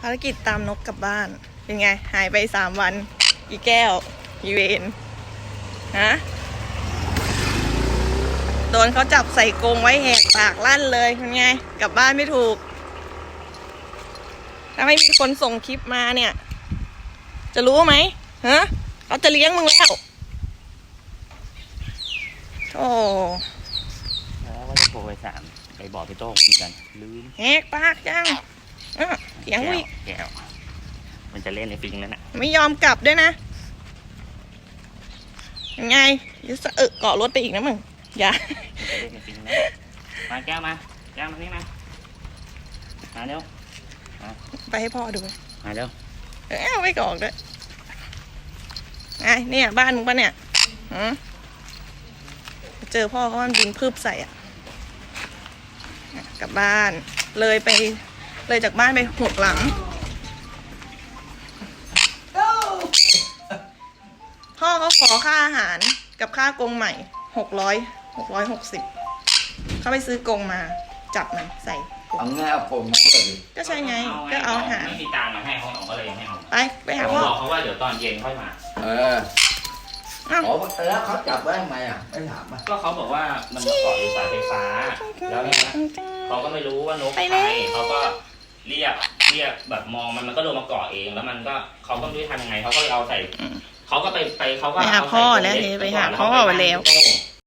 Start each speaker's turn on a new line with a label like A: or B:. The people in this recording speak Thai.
A: ภารกิจตามนกกลับบ้านเป็นไงหายไป3 วันอีแก้วอีเวนฮะโดนเขาจับใส่กรงไว้แหกปากลั่นเลยเป็นไงกลับบ้านไม่ถูกถ้าไม่มีคนส่งคลิปมาเนี่ยจะรู้ไหมฮะเขาจะเลี้ยงมึงแล้วโอ้
B: แล้วก็จะโทรไปบอกพี่โต้งเหมือนกันลืม
A: แหกปากจังเถียงวิ
B: แก้วมันจะเล่นในฟิงนั่นน่ะ
A: ไม่ยอมกลับด้วยนะยังไงจะสะอึกเกาะรถไปอีกนะมึงอย่า
B: จะเล่นในฟิงนั่นมาแก้วมานี่มาเร็ว
A: ไปให้พ่อดู
B: มาเร็ว
A: ไม่กอกด้วยไงเนี่ยบ้านมึงปะเนี่ยเจอพ่อเขามันบินพืบใส่กลับบ้านเลยจากบ้านไป6 หลังพ่อเขาขอค่าอาหารกับค่ากรงใหม่660เขาไปซื้อกรงมาจับมันใส่
C: เอาง่ายเอากรงมาด้วย
A: ก็ใช่ไงก็เอาอาหาร
B: ไม่มีตังค์มาให้เขาก็เลยให้เขา
A: ไปหาพ่อ
B: บอกเขาว่าเดี๋ยวตอนเย็นค่อยมา
C: แล้วเขาจับไว้ทำไมไม่ถาม
B: ก็เขาบอกว่ามันมาเกาะอยู่สายไฟฟ้าแล้วเนี่ยเขาก็ไม่รู้ว่านกใครเขาก็เรียกแบบมองมันก็โดนมาเกาะเองแล้วมันก็เขาก็ไม่รู้ทำยังไงเขาก็เอาใส่เขาก็ไปเขาก็
A: ไปหาพ่อแล้วไปหาพ่อไปแล้ว